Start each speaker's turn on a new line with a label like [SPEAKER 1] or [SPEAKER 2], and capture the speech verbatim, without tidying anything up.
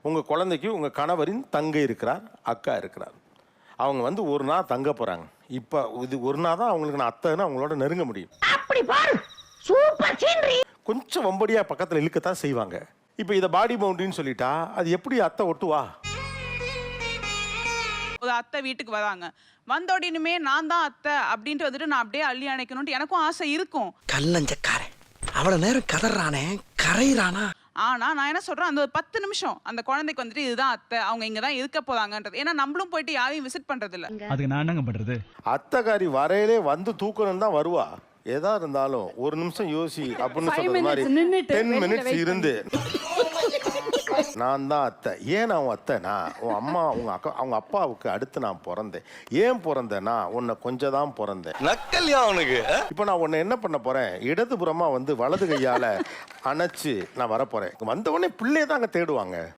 [SPEAKER 1] உங்கள் குழந்தைக்கு உங்கள் கணவரின் தங்கை இருக்கிறார், அக்கா இருக்கிறார். அவங்க வந்து ஒரு நாள் தங்க போகிறாங்க. இப்போ இது ஒரு நாள் தான் அவங்களுக்கு நான் அத்தைன்னு அவங்களோட நெருங்க முடியும்.
[SPEAKER 2] அப்படி பாரு, சூப்பர் சீனரி.
[SPEAKER 1] கொஞ்சம் வம்படியாக பக்கத்தில் இழுக்கத்தான் செய்வாங்க. இப்போ இதை பாடி பவுண்டரின்னு சொல்லிட்டா அது எப்படி அத்தை ஒட்டுவா?
[SPEAKER 3] ஒரு அத்தை வீட்டுக்கு வராங்க, வந்த உடனே நான் தான் அத்தை அப்படின்ட்டு வந்துட்டு நான் அப்படியே அள்ளி அணைக்கணும்ட்டு எனக்கும் ஆசை இருக்கும்.
[SPEAKER 4] கல்லஞ்சக்காரன் அவ்வளவு நேரம் கதறானே கரையிறானா.
[SPEAKER 3] ஆனா நான் என்ன சொல்றேன், அந்த ஒரு பத்து நிமிஷம் அந்த குழந்தைக்கு வந்துட்டு இதுதான் அத்தை, அவங்க இங்க தான் இருக்க போறாங்கன்றது. ஏன்னா நம்மளும் போயிட்டு யாரையும் விசிட் பண்றது இல்ல.
[SPEAKER 5] அதுக்கு நான் என்னங்க பண்றது?
[SPEAKER 1] அத்தைக்காரி வரையிலே வந்து தூக்கணும் தான் வருவா. எதா இருந்தாலும் ஒரு நிமிஷம் யோசி அப்படின்னு சொல்றது மாதிரி டென் மினிட்ஸ் இருந்து நான் தான் அத்தை. ஏன் நான் உன் அத்தைனா உன் அம்மா உங்க அக்கா அவங்க அப்பாவுக்கு அடுத்து நான் பிறந்தேன். ஏன் பிறந்தேன்னா உன்னை கொஞ்சம் தான் பிறந்தேன்.
[SPEAKER 6] நக்கல்யா அவனுக்கு.
[SPEAKER 1] இப்போ நான் உன்னை என்ன பண்ண போறேன், இடதுபுறமா வந்து வலது கையால அணைச்சு நான் வரப்போறேன். வந்த உடனே பிள்ளைய தான் அங்கே தேடுவாங்க.